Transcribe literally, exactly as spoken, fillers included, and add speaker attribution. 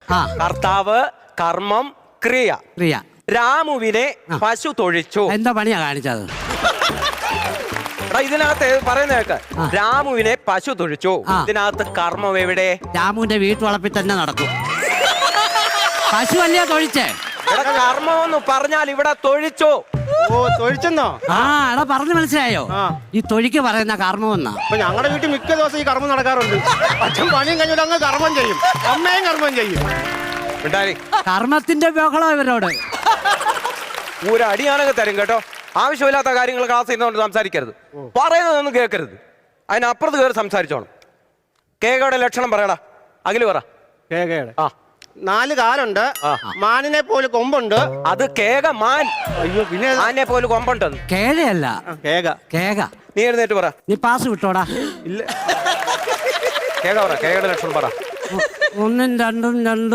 Speaker 1: കർത്താവ്, കർമ്മം, ക്രിയ.
Speaker 2: ക്രിയ.
Speaker 1: രാമുവിനെ പശു തൊഴിച്ചു.
Speaker 2: എന്താ പണിയാ കാണിച്ചത്?
Speaker 1: ഇതിനകത്ത് പറയുന്ന കേക്ക്, രാമുവിനെ പശു തൊഴിച്ചു. ഇതിനകത്ത് കർമ്മം എവിടെ?
Speaker 2: രാമുവിന്റെ വീട്ടുവളപ്പിൽ തന്നെ നടക്കും. പശു അല്ലയോ തൊഴിച്ചേ?
Speaker 1: കർമ്മം എന്ന് പറഞ്ഞാൽ ഇവിടെ തൊഴിച്ചു.
Speaker 3: ഓ, തൊഴിച്ചെന്നോ?
Speaker 2: ആ, എടാ പറഞ്ഞു മനസ്സിലായോ? ഈ തൊഴിക്ക് പറയുന്ന കർമ്മം എന്നാ.
Speaker 3: അപ്പൊ ഞങ്ങളുടെ വീട്ടിൽ മിക്ക ദിവസം ഈ കർമ്മം നടക്കാറുണ്ട്. അച്ഛൻ പണിയും കഴിഞ്ഞാൽ അങ്ങ് കർമ്മം ചെയ്യും, അമ്മയും കർമ്മം ചെയ്യും.
Speaker 2: കർമ്മത്തിന്റെ ബഹളം ഇവരോട്.
Speaker 1: ഒരു അടിയാണെങ്കിൽ തരും കേട്ടോ. ആവശ്യമില്ലാത്ത കാര്യങ്ങൾ ക്ലാസ് ചെയ്യുന്നതുകൊണ്ട് സംസാരിക്കരുത്, പറയുന്നതൊന്നും കേൾക്കരുത്. അതിനപ്പുറത്ത് കയറി സംസാരിച്ചോണം. കേകയുടെ ലക്ഷണം പറയടാ. അഖില് പറ.
Speaker 3: കേകയുടെ ആ നാല് കാലുണ്ട്, മാനിനെ പോലെ കൊമ്പുണ്ട്.
Speaker 1: അത് കേക മാൻ.
Speaker 3: അയ്യോ, പിന്നെ
Speaker 1: മാനിനെ പോലെ കൊമ്പുണ്ട്.
Speaker 2: കേഴയല്ല,
Speaker 3: കേക.
Speaker 2: കേക.
Speaker 1: നീ എഴുന്നേറ്റ് പറ.
Speaker 2: നീ പാസ് വിട്ടോടാ.
Speaker 1: ഇല്ല, കേക പറ. കേകയുടെ ലക്ഷണം പറ.
Speaker 2: ഒന്നും രണ്ടും രണ്ടും